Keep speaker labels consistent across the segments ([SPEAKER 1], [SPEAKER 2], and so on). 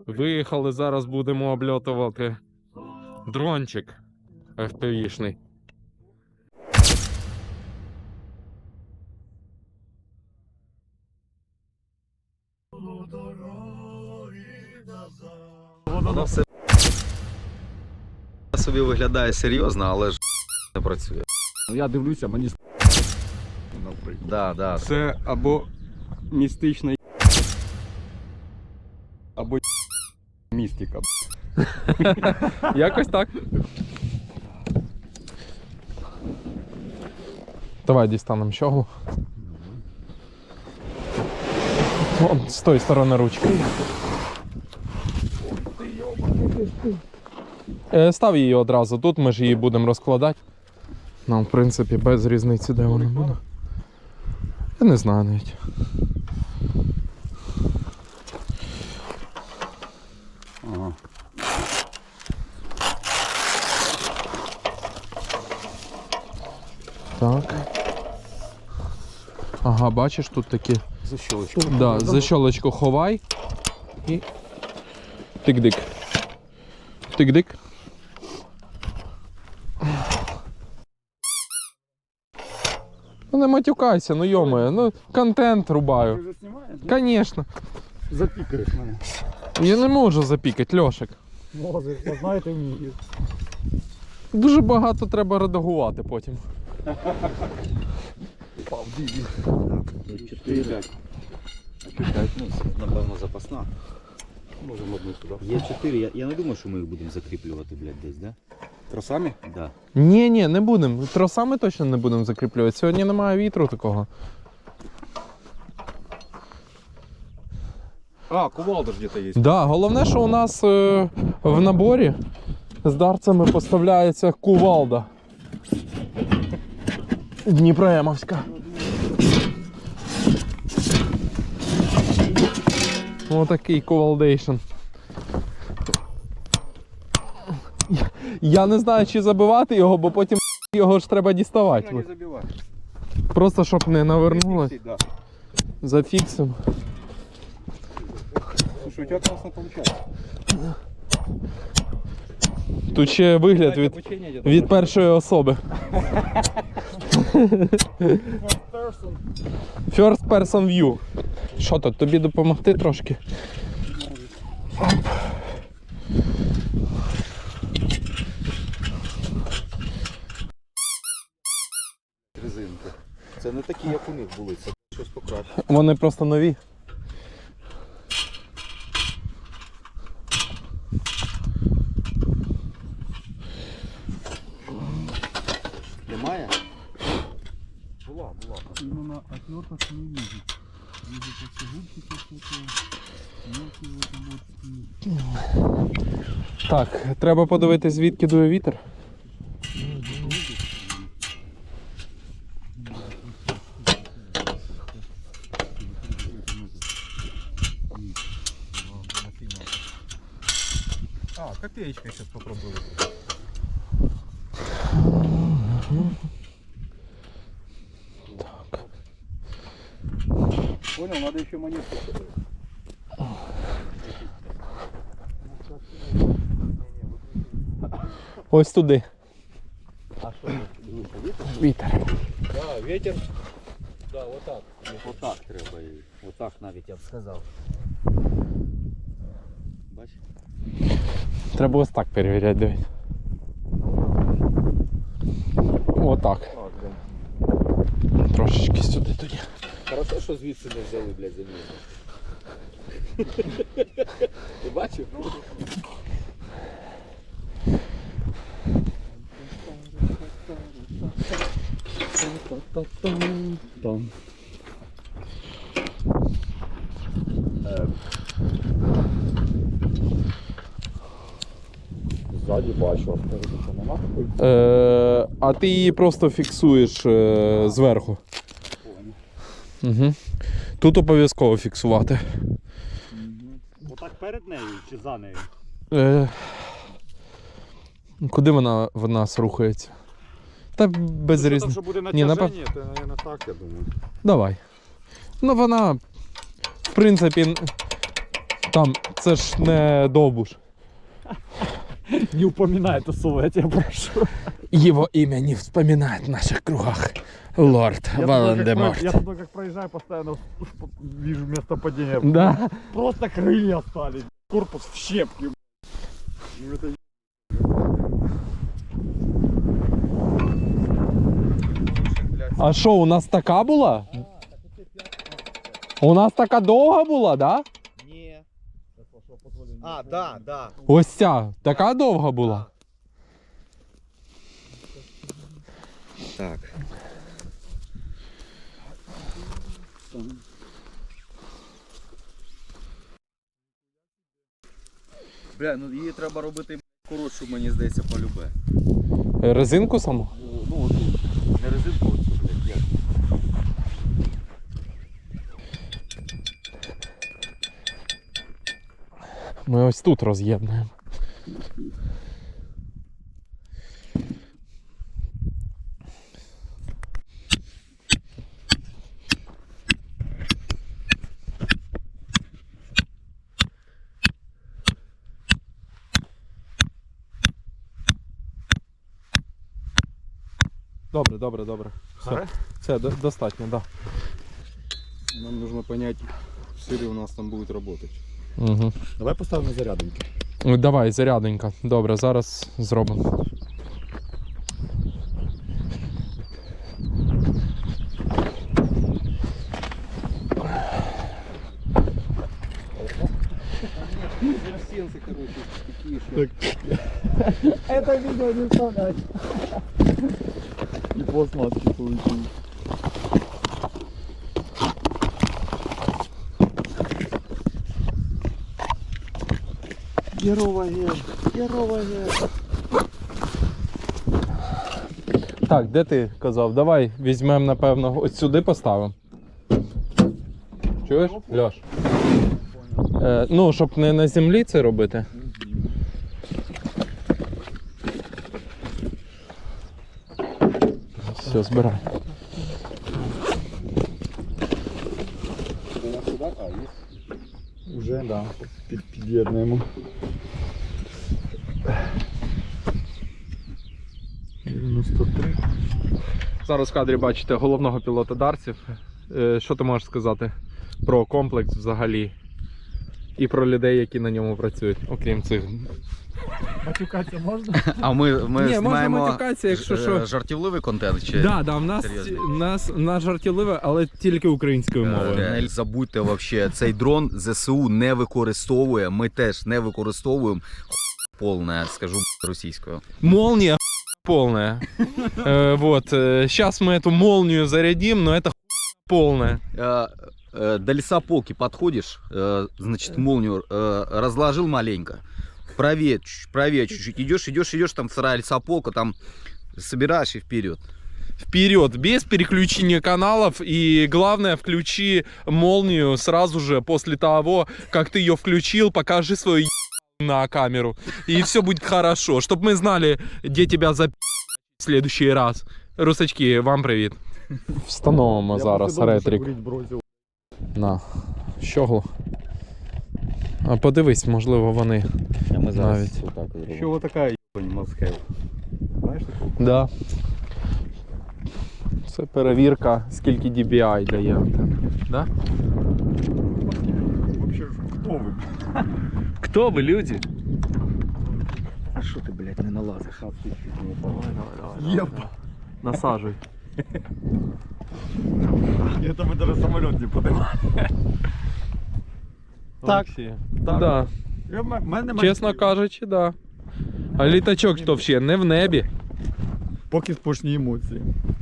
[SPEAKER 1] Виїхали, зараз будемо обльотувати дрончик FPV-шний.
[SPEAKER 2] Воно все собі виглядає серйозно, але ж не працює.
[SPEAKER 3] Я дивлюся, мені наприклад.
[SPEAKER 2] Да.
[SPEAKER 3] Це або містична або містика.
[SPEAKER 1] Якось так. Давай дістанемо щоглу. Вон, з тої сторони ручки. Став її одразу тут, ми ж її будемо розкладати. Нам, в принципі, без різниці, де вона буде. Я не знаю навіть.
[SPEAKER 3] Ага.
[SPEAKER 1] Так. Ага, бачиш, тут такі.
[SPEAKER 3] Защёлочку.
[SPEAKER 1] Да, защёлочку ховай і тик-дик. Тик-дик. Ну не матюкайся, ну йомає, ну контент
[SPEAKER 3] Ти
[SPEAKER 1] рубаю.
[SPEAKER 3] вже знімаєш?
[SPEAKER 1] Конечно.
[SPEAKER 3] Запікаєш мене.
[SPEAKER 1] Я не можу запікати, Льошик.
[SPEAKER 3] Може, знаєте, вмію.
[SPEAKER 1] Дуже багато треба редагувати потім.
[SPEAKER 3] Пав, диві.
[SPEAKER 2] 4. Ну, напевно, запасна.
[SPEAKER 3] Можемо одну сюди.
[SPEAKER 2] Є 4. Я не думаю, що ми їх будемо закріплювати, блядь, десь, да?
[SPEAKER 3] Тросами?
[SPEAKER 2] Да.
[SPEAKER 1] Ні, не будемо. Тросами точно не будемо закріплювати. Сьогодні немає вітру такого.
[SPEAKER 3] А, кувалда ж где-то є.
[SPEAKER 1] Да, головне, що у нас в наборі з дарцями поставляється кувалда. Дніпроємовська. Отакий кувалдейшн. Я не знаю, чи забивати його, бо потім його ж треба
[SPEAKER 3] Не
[SPEAKER 1] діставати.
[SPEAKER 3] забивай.
[SPEAKER 1] Просто щоб не навернулось.
[SPEAKER 3] Да.
[SPEAKER 1] Зафіксимо.
[SPEAKER 3] Слушай, у тебя классно получается.
[SPEAKER 1] Тут ще вигляд від першої особи. First person view. Що тут, тобі допомогти трошки?
[SPEAKER 2] Резинки. Це не такі, як у них були, це щось покраще.
[SPEAKER 1] Вони просто нові.
[SPEAKER 2] Немає?
[SPEAKER 3] Була. Именно отверток не вижу. Вижу как губчики всякие. Мелкие вот вот.
[SPEAKER 1] Так, треба подивитись, звідки дує вітер.
[SPEAKER 3] А, копеечка сейчас попробую. Понял, надо еще монетку.
[SPEAKER 1] Ось туди.
[SPEAKER 2] А що? Дивися, вітер?
[SPEAKER 1] Вітер.
[SPEAKER 3] Да, ветер. Да, вот так.
[SPEAKER 2] Отак треба її. Отак навіть я б сказав. Бач?
[SPEAKER 1] Треба ось так перевіряти, дивись. Отак.
[SPEAKER 3] Так, да.
[SPEAKER 1] Трошечки сюди тоді.
[SPEAKER 2] Хорошо, що звідси не взяли, блядь, заміну. Ти бачив?
[SPEAKER 3] Там. Ззаді бачу, а спереду що нема такої?
[SPEAKER 1] А ти її просто фіксуєш зверху. Угу. Тут обов'язково фіксувати.
[SPEAKER 4] Отак перед нею чи за нею?
[SPEAKER 1] Куди вона в нас рухається? Та без
[SPEAKER 4] Там,
[SPEAKER 1] різниці.
[SPEAKER 4] що буде
[SPEAKER 1] Ні,
[SPEAKER 4] натяження, то, мабуть, так, я думаю.
[SPEAKER 1] Давай. Ну вона, в принципі, Там, це ж не Довбуш.
[SPEAKER 3] Не упоминай это слово, я тебя прошу.
[SPEAKER 1] Его имя не вспоминает в наших кругах. Лорд Волан-де-Морт.
[SPEAKER 3] Я туда как проезжаю, постоянно вижу место падения.
[SPEAKER 1] Да.
[SPEAKER 3] Просто крылья остались. Корпус в щепки. Ну, это
[SPEAKER 1] А що, у нас така була? У нас така довга була, да?
[SPEAKER 2] Ні. А, да, да.
[SPEAKER 1] Ось ця, така довга була.
[SPEAKER 2] Так. Бля, ну її треба робити коротшу, мені здається, полюбе.
[SPEAKER 1] Резинку саму?
[SPEAKER 2] Ну, отут. Не резинку, оцю, блядь, як.
[SPEAKER 1] Ми ось тут роз'єднуємо. Добре, добре, добре. Все, все достатньо, да.
[SPEAKER 3] нам нужно понять, все ли у нас там будет работать.
[SPEAKER 1] Угу.
[SPEAKER 3] Давай поставим на зарядоньки.
[SPEAKER 1] Давай, заряденька. Добре, зараз зробимо.
[SPEAKER 3] Это видео не вставлять. И пластмасски получилось. Геровая.
[SPEAKER 1] Так, де ти казав? Давай візьмемо, напевно, ось сюди поставимо. Чуєш, Льош? Ну, щоб не на землі це робити. Все, збирай.
[SPEAKER 3] Уже, да. Під'єднуємо. 93.
[SPEAKER 1] Зараз в кадрі бачите головного пілота Дарсів. Що ти можеш сказати про комплекс взагалі? І про людей, які на ньому працюють, окрім цих.
[SPEAKER 3] Матюкатися можна?
[SPEAKER 2] А ми
[SPEAKER 1] Ні, можна
[SPEAKER 2] знімаємо
[SPEAKER 1] матюкатися, якщо що.
[SPEAKER 2] жартівливий контент чи?
[SPEAKER 1] Да, в нас,
[SPEAKER 2] Серйозно?
[SPEAKER 1] нас жартівливе, але тільки українською мовою.
[SPEAKER 2] Не забудьте вообще, цей дрон ЗСУ не використовує, ми теж не використовуємо. Полне, скажу російською.
[SPEAKER 1] Молния полная. Вот. Сейчас мы эту молнию зарядим, но это полная.
[SPEAKER 2] До лесополки подходишь, значит, молнию разложил маленько. Правее чуть-чуть. Идешь, там вторая лесополка, там собираешь и вперед.
[SPEAKER 1] Вперед, без переключения каналов. И главное, включи молнию сразу же после того, как ты ее включил, покажи свою на камеру. И все будет хорошо. Чтобы мы знали, где тебя в следующий раз. Русачки, вам привіт. Встановимо зараз ретрик. На щоглу. А подивись, можливо, вони.
[SPEAKER 2] А ми
[SPEAKER 1] зараз
[SPEAKER 2] отак зробимо.
[SPEAKER 3] Що така ебань Москва? Знаєш таку?
[SPEAKER 1] Да. Це перевірка, скільки DBI дає антенна. Да?
[SPEAKER 3] Вообще, хто ви?
[SPEAKER 1] Хто ви, люди?
[SPEAKER 2] А що ти, блядь, не налазиш?
[SPEAKER 1] Давай.
[SPEAKER 3] Єба.
[SPEAKER 1] Насаджуй.
[SPEAKER 3] Это мы даже самолет не поднимали. Так.
[SPEAKER 1] Да. Чесно кажучи, да. А літачок то ще не в небі.
[SPEAKER 3] Поки спошні емоції.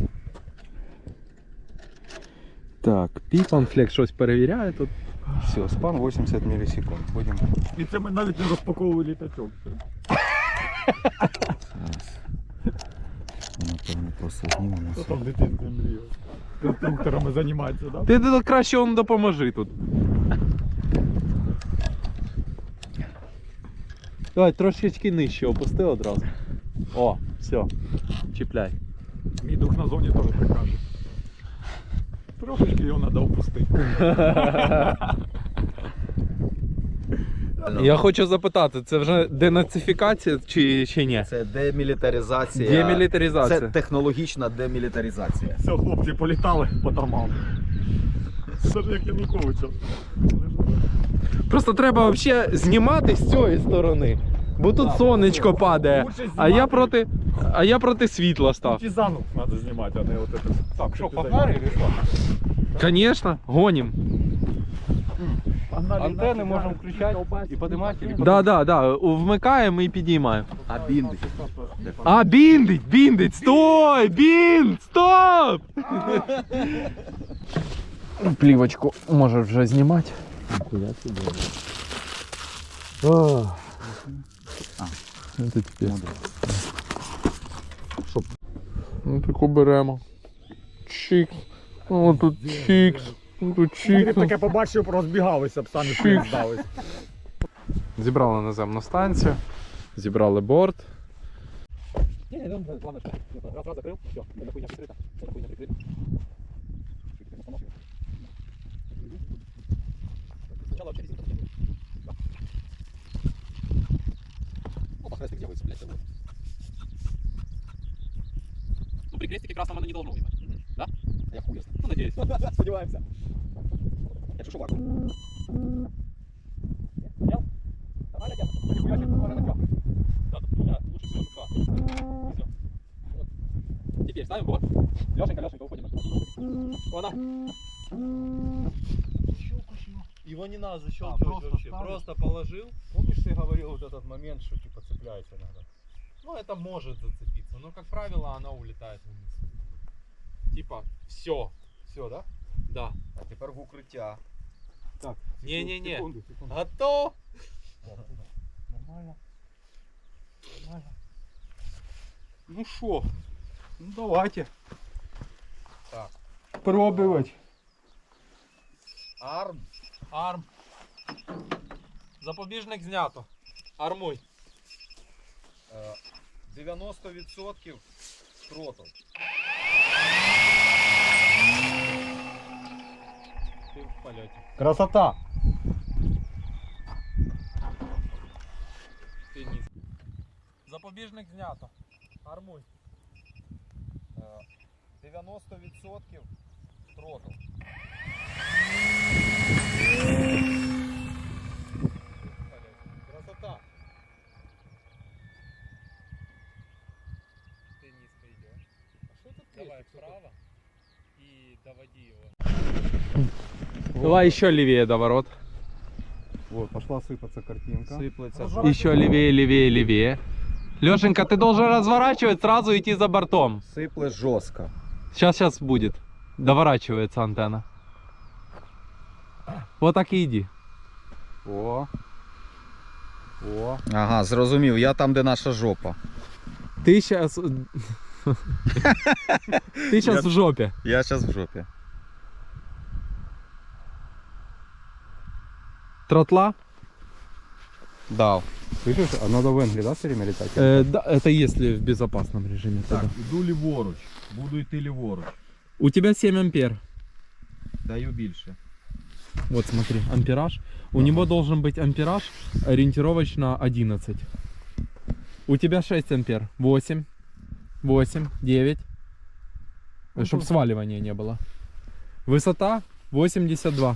[SPEAKER 1] Так, Піпанфлек щось перевіряє тут.
[SPEAKER 5] Все, спан 80 миллисекунд. Будем.
[SPEAKER 3] І це ми навіть не розпаковували літачок.
[SPEAKER 2] Напевно, просто знімемо.
[SPEAKER 3] Хто там в дитинстві мріяв? Конструкторами займатися, да?
[SPEAKER 1] Ти тут краще он допоможи тут. Давай трошечки нижче опусти одразу. О, все. Чіпляй.
[SPEAKER 3] Мій дух на зоні теж так каже. Трошечки його треба опустити.
[SPEAKER 1] Я хочу запитати, це вже денацифікація чи ще ні?
[SPEAKER 2] Це демілітаризація.
[SPEAKER 1] Демілітаризація.
[SPEAKER 2] Це технологічна демілітаризація.
[SPEAKER 3] Все, хлопці, політали по домам. Це ж як Януковича.
[SPEAKER 1] Просто треба взагалі знімати з цієї сторони. Бо тут сонечко падає, а я проти світла став.
[SPEAKER 3] Партизанов треба знімати, а не от это. Так, що, погнали или що?
[SPEAKER 1] Конечно, гоним.
[SPEAKER 5] Антенны можем включать и поднимать.
[SPEAKER 1] Да, вмикаємо і підіймаємо.
[SPEAKER 2] А бінди.
[SPEAKER 1] А, біндить, стой, стоп! Плівочку може вже знімати. Це тепер. Ну таку беремо. Чикс. О, тут чикс. Тут
[SPEAKER 3] Я
[SPEAKER 1] чикс.
[SPEAKER 3] таке побачив, розбігалися б, самі
[SPEAKER 1] Шик.
[SPEAKER 3] здались.
[SPEAKER 1] Зібрали наземну станцію, зібрали борт.
[SPEAKER 6] Ну, при крестике красного не должно быть. Да? Я хуй. Ну, надеюсь. Сподеваемся. Я шушу вакуум. Снял? Нормально, я. Нихуя себе, можно на капли. Да, у меня лучше всего шука. Всё. Вот. Теперь ставим борт. Лёшенька, уходим. Она.
[SPEAKER 5] Его не надо защелкивать вообще. Просто положил. Помнишь, ты говорил вот этот момент, что типа цепляется иногда?
[SPEAKER 1] Ну, это может зацепиться, но, как правило, она улетает вниз. Типа, все.
[SPEAKER 5] Все, да?
[SPEAKER 1] Да.
[SPEAKER 2] А тепер в укриття.
[SPEAKER 5] Так.
[SPEAKER 1] Не-не-не.
[SPEAKER 5] Секунду.
[SPEAKER 1] Готов?
[SPEAKER 5] Нормально. Нормально.
[SPEAKER 1] Ну шо?
[SPEAKER 5] Ну давайте.
[SPEAKER 1] Так.
[SPEAKER 5] Пробовать.
[SPEAKER 1] Арм. Запобіжник знято. Армуй.
[SPEAKER 2] 90% тротл.
[SPEAKER 1] Ти в польоті.
[SPEAKER 3] Красота.
[SPEAKER 1] Ти низ. Запобіжник знято. Армуй.
[SPEAKER 2] 90% тротл.
[SPEAKER 1] Красота. Ты низко идешь. А что тут давай вправо и доводи его. Давай еще левее до ворот.
[SPEAKER 5] Вот, пошла сыпаться картинка.
[SPEAKER 2] Сиплеться.
[SPEAKER 1] Еще левее, левее, левее. Лешенька, ты должен разворачивать, сразу идти за бортом.
[SPEAKER 2] Сипле жорстко.
[SPEAKER 1] Сейчас будет. Доворачивается антенна. Вот так и иди.
[SPEAKER 5] О. О.
[SPEAKER 2] Ага, зрозумів. Я там, де наша жопа.
[SPEAKER 1] Ты сейчас... Ты сейчас в жопе.
[SPEAKER 2] Я зараз в жопі.
[SPEAKER 1] Тротла?
[SPEAKER 2] Дав.
[SPEAKER 5] Слышишь, а надо в Энгли, да, все время летать?
[SPEAKER 1] Да, это если в безопасном режиме.
[SPEAKER 5] Так,
[SPEAKER 1] тогда.
[SPEAKER 5] іду ліворуч. Буду йти ліворуч.
[SPEAKER 1] У тебя 7 ампер.
[SPEAKER 2] Даю більше.
[SPEAKER 1] Вот смотри, ампераж. У него должен быть ампераж ориентировочно 11. У тебя 6 ампер. 8, 9. Чтобы сваливания не было. Высота 82.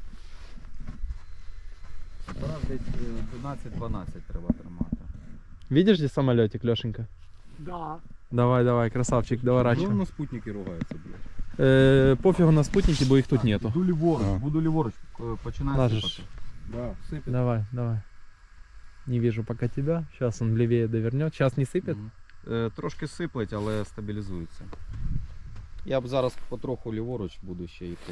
[SPEAKER 2] Зараз десь 12-12 треба тримати.
[SPEAKER 1] Видишь здесь самолетик, Лешенька?
[SPEAKER 3] Да.
[SPEAKER 1] Давай, красавчик,
[SPEAKER 5] Чего
[SPEAKER 1] доворачивай.
[SPEAKER 5] на спутники ругаются, блядь?
[SPEAKER 1] Пофигу на спутники, бо их тут нету.
[SPEAKER 5] Іду ліворуч,
[SPEAKER 2] А.
[SPEAKER 5] буду ліворуч.
[SPEAKER 2] Починай
[SPEAKER 1] Ложишь.
[SPEAKER 2] сипати.
[SPEAKER 5] Да, сыпет.
[SPEAKER 1] Давай. Не вижу пока тебя. Сейчас он левее довернет. Сейчас не сыпет.
[SPEAKER 2] Трошки сиплеть, але стабілізується. Я б зараз потроху ліворуч буду ще йти.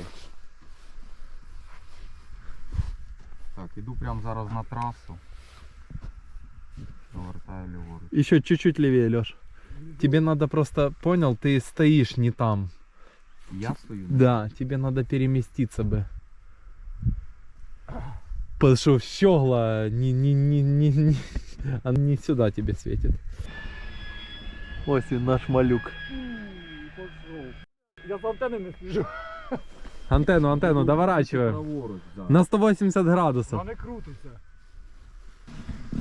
[SPEAKER 2] Так, іду прямо зараз на трасу. Повертаю ліворуч.
[SPEAKER 1] Еще чуть-чуть левее, Леш. Тебе надо просто, понял, ты стоишь не там.
[SPEAKER 2] Я стою?
[SPEAKER 1] Да, тебе надо переместиться бы. Потому что щегла она не сюда тебе светит. Ось він наш малюк.
[SPEAKER 3] Я з антенни не сліжу.
[SPEAKER 1] Антенну, доворачиваем.
[SPEAKER 5] Праворуч, да.
[SPEAKER 1] На 180 градусов.
[SPEAKER 3] Вона не крутиться.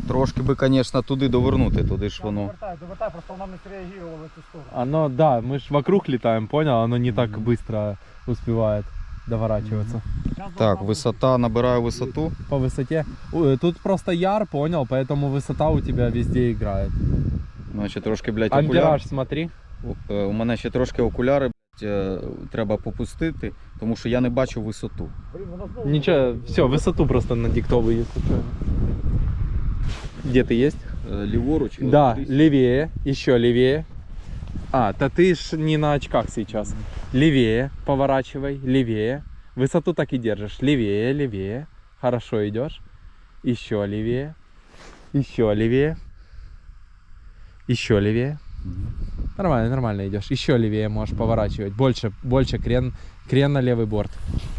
[SPEAKER 2] Трошки би, звісно, туди довернути, туди ж воно.
[SPEAKER 4] Довертай, просто вона не среагувала в цю сторону.
[SPEAKER 1] Оно, да, мы ж вокруг летаем, понял? Оно не так быстро успевает доворачиваться.
[SPEAKER 2] Так, висота, набираю висоту.
[SPEAKER 1] По высоте. Тут просто яр, понял, поэтому высота у тебя везде играет.
[SPEAKER 2] Значить, трошки, блядь, окуляр.
[SPEAKER 1] Ампераж, смотри.
[SPEAKER 2] У мене ще трошки окуляри, блядь, треба попустити, тому що я не бачу висоту.
[SPEAKER 1] Ничего, все, высоту просто надиктовывай, если что. Где ты есть?
[SPEAKER 2] Ліворуч. і
[SPEAKER 1] Да,
[SPEAKER 2] от десь.
[SPEAKER 1] левее, еще левее. А, да ты ж не на очках сейчас. Левее, поворачивай, левее. Высоту так и держишь. Левее, левее. Хорошо идешь. Еще левее. Еще левее. Еще левее. Нормально, нормально идешь. Еще левее можешь поворачивать. Больше крен на левый борт.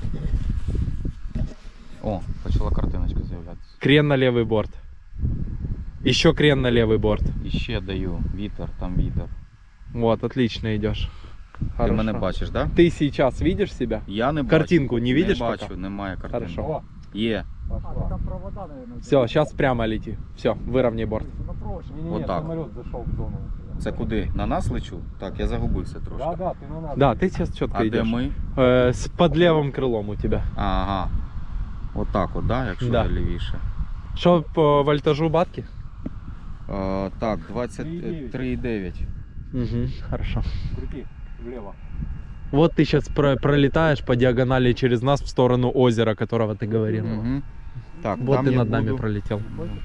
[SPEAKER 2] О, почала картиночка з'являтися.
[SPEAKER 1] Крен на левый борт. Еще крен на левый борт.
[SPEAKER 2] І ще даю вітер, там вітер.
[SPEAKER 1] Вот, отлично идешь.
[SPEAKER 2] Ти мене бачиш, так? Да?
[SPEAKER 1] Ты сейчас видишь себя?
[SPEAKER 2] Я не бачу.
[SPEAKER 1] Картинку не видишь
[SPEAKER 2] Не
[SPEAKER 1] пока?
[SPEAKER 2] бачу, немає картинки.
[SPEAKER 1] Хорошо.
[SPEAKER 2] Є.
[SPEAKER 4] Там провода, наверное.
[SPEAKER 1] Все, сейчас прямо лети. Все, выровняй борт.
[SPEAKER 4] Ну проще.
[SPEAKER 2] Вот так.
[SPEAKER 4] Самолет зашел в зону.
[SPEAKER 2] Це куди? На нас лечу? Так, я загубився трошки.
[SPEAKER 4] Да, ты на нас.
[SPEAKER 1] Да, ты сейчас четко
[SPEAKER 2] А де
[SPEAKER 1] идешь.
[SPEAKER 2] ми?
[SPEAKER 1] Под левым крылом у тебя.
[SPEAKER 2] Ага. Отак от, да, якщо
[SPEAKER 1] Да.
[SPEAKER 2] лівіше.
[SPEAKER 1] Что по вольтажу батки?
[SPEAKER 2] Так, 23,9.
[SPEAKER 1] Угу, хорошо.
[SPEAKER 4] Крути влево.
[SPEAKER 1] Вот ты сейчас пролетаешь по диагонали через нас в сторону озера, которого ты говорил.
[SPEAKER 2] Угу. Так,
[SPEAKER 1] Вот
[SPEAKER 2] там
[SPEAKER 1] ты
[SPEAKER 2] я
[SPEAKER 1] над нами
[SPEAKER 2] буду...
[SPEAKER 1] пролетел.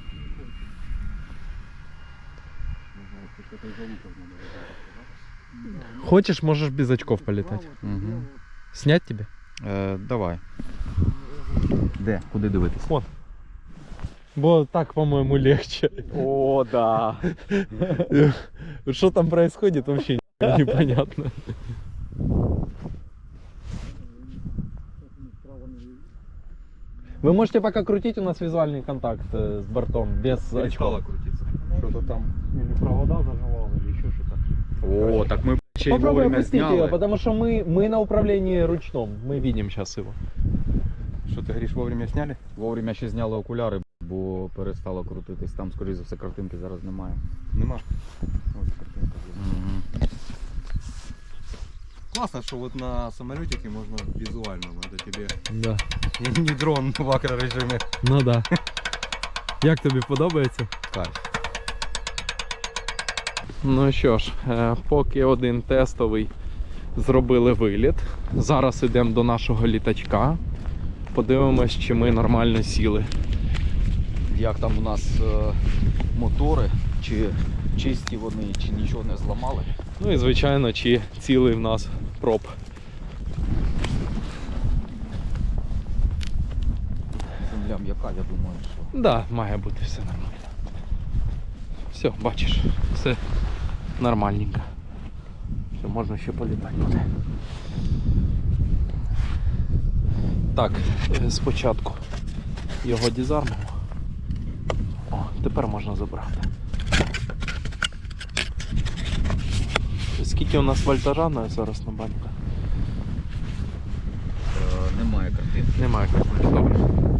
[SPEAKER 1] Хочешь, можешь без очков полетать.
[SPEAKER 2] Угу.
[SPEAKER 1] Снять тебе?
[SPEAKER 2] Давай. Де? Куди дивитись?
[SPEAKER 1] Вон. Бо так, по-моему, легче.
[SPEAKER 3] О, да.
[SPEAKER 1] Что там происходит, вообще непонятно. Вы можете пока крутить, у нас визуальный контакт с бортом, без очков.
[SPEAKER 5] крутиться. Что-то там.
[SPEAKER 4] Или провода заживал, или еще что-то.
[SPEAKER 2] О, так ми ще й
[SPEAKER 1] Попробуй
[SPEAKER 2] вовремя
[SPEAKER 1] опустить ее,
[SPEAKER 2] зняли.
[SPEAKER 1] потому что мы на управлении ручном. Мы видим сейчас его.
[SPEAKER 5] Что ты говоришь, вовремя сняли?
[SPEAKER 2] Вовремя ще зняли окуляри, бо перестало крутитись. Там, скоріше за все, картинки зараз немає.
[SPEAKER 5] Нема. Вот картинка.
[SPEAKER 2] Угу.
[SPEAKER 5] Классно, что вот на самолетике можно визуально. Надо тебе
[SPEAKER 1] Да.
[SPEAKER 5] не дрон в акрорежимі.
[SPEAKER 1] Ну да. Як тобі подобається?
[SPEAKER 2] Кайф.
[SPEAKER 1] Ну що ж, поки один тестовий зробили виліт. Зараз йдемо до нашого літачка. Подивимось, чи ми нормально сіли.
[SPEAKER 2] Як там у нас мотори, чи чисті вони, чи нічого не зламали.
[SPEAKER 1] Ну і звичайно, чи цілий в нас проб.
[SPEAKER 2] Земля м'яка, я думаю, що.
[SPEAKER 1] Да, має бути все нормально. Все, бачиш, все нормальненько. Все, можна ще політати буде. Так, спочатку його дізармимо. О, тепер можна забрати. Скільки у нас вольтажа на зараз на банку?
[SPEAKER 2] Немає картинки.
[SPEAKER 1] Немає картинки, добре.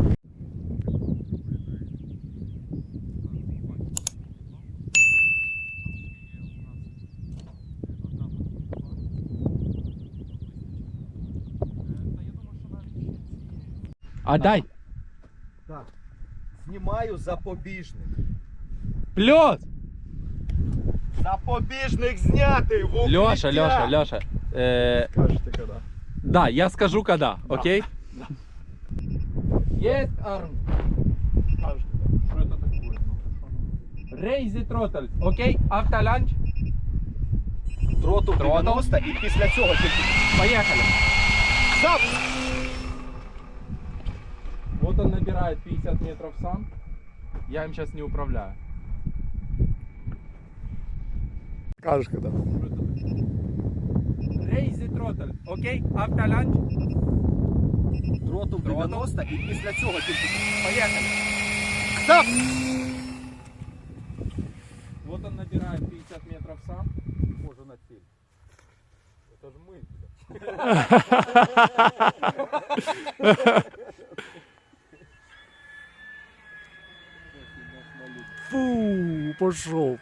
[SPEAKER 1] А дай!
[SPEAKER 5] Знімаю запобіжник.
[SPEAKER 1] Плюс!
[SPEAKER 5] Запобіжник знятий в укриття!
[SPEAKER 1] Леша.
[SPEAKER 3] Скажете, когда.
[SPEAKER 1] Да, я скажу когда, окей? Есть арм.
[SPEAKER 3] Скажете, да. Что это такое?
[SPEAKER 1] Raise the throttle, окей? Автоланч.
[SPEAKER 5] Троту 90 і після цього тільки.
[SPEAKER 1] Поехали.
[SPEAKER 5] Стоп!
[SPEAKER 1] Вот он набирает 50 метров сам. Я им сейчас не управляю.
[SPEAKER 3] Скажешь, когда.
[SPEAKER 1] Raise the throttle, окей? Автоланч.
[SPEAKER 5] Троту 90 і після цього тільки.
[SPEAKER 1] Поехали.
[SPEAKER 5] Стоп!
[SPEAKER 1] Вот он набирает 50 метров сам.
[SPEAKER 5] Може на ціль. Це ж ми.
[SPEAKER 3] Фу, пошел.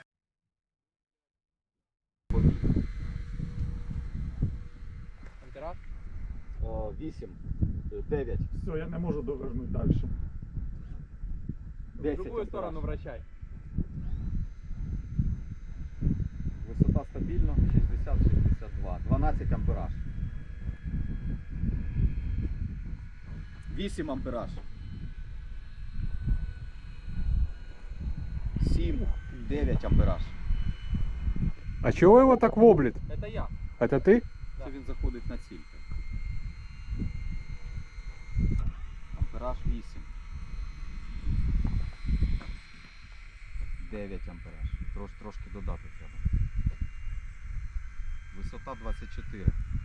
[SPEAKER 6] Антирак?
[SPEAKER 2] 8, 9,
[SPEAKER 3] Все, я не можу довернути далі.
[SPEAKER 6] В
[SPEAKER 2] 10
[SPEAKER 6] другую сторону
[SPEAKER 2] ампераж.
[SPEAKER 6] вращай.
[SPEAKER 2] Висота стабільна, 60-62, 12 ампераж. 8 ампераж. 7, 9 ампераж.
[SPEAKER 3] А чого його так воблить?
[SPEAKER 6] Это я.
[SPEAKER 3] Это ти?
[SPEAKER 2] Це він заходить на ціль. Ампераж 8. 9 ампераж. Трошки додати треба. Висота 24.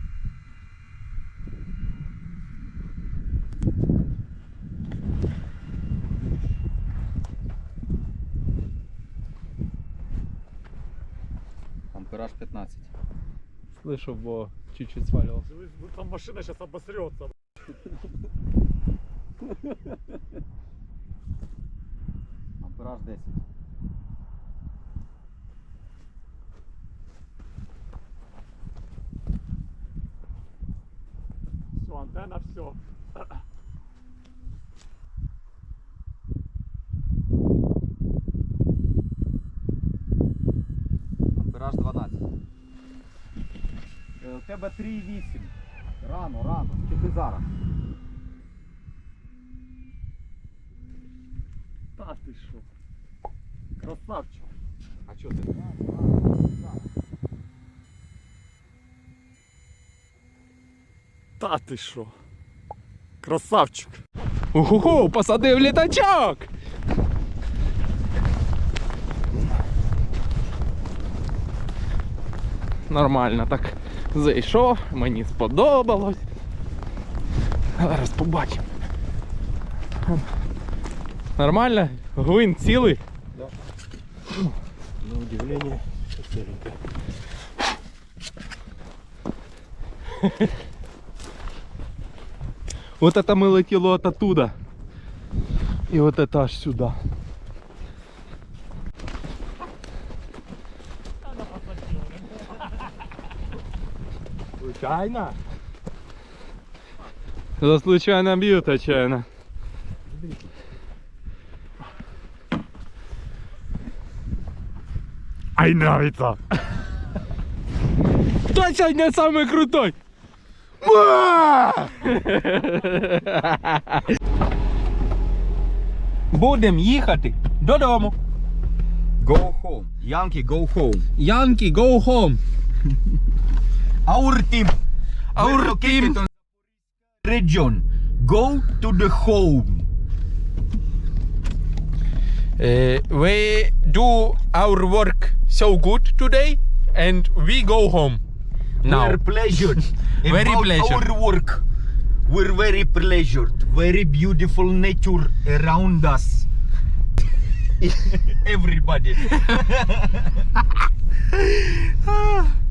[SPEAKER 2] Ампераж 15.
[SPEAKER 1] Слышу, бо чуть-чуть свалился.
[SPEAKER 3] Там машина сейчас обосрется.
[SPEAKER 2] Ампераж 10.
[SPEAKER 3] Все, антенна, все.
[SPEAKER 2] Ампераж 12. У тебе 3,8. Рано. Чи ти зараз?
[SPEAKER 3] Та ти що? Красавчик.
[SPEAKER 2] А чого ти?
[SPEAKER 3] Та ти що? Красавчик.
[SPEAKER 1] Уху, посадив літачок! Нормально так зайшов, мені сподобалось. Зараз побачимо. Нормально? Гвинт цілий?
[SPEAKER 5] На удивление, целенькая.
[SPEAKER 1] Вот это мы летело от оттуда. И вот это аж сюда.
[SPEAKER 5] Случайно?
[SPEAKER 1] За случайно бьют отчаянно.
[SPEAKER 3] Ай, нравится.
[SPEAKER 1] Кто сегодня самый крутой? Будем їхати додому.
[SPEAKER 2] Go home. Yankee, go home.
[SPEAKER 1] Янки, go home.
[SPEAKER 2] Our team.
[SPEAKER 1] Our
[SPEAKER 2] We're located
[SPEAKER 1] team.
[SPEAKER 2] on region. Go to the home.
[SPEAKER 1] We do our work so good today and we go home. Now.
[SPEAKER 2] We're pleasured.
[SPEAKER 1] Very
[SPEAKER 2] about
[SPEAKER 1] pleasured.
[SPEAKER 2] Our work. We're very pleasured. Very beautiful nature around us. Everybody.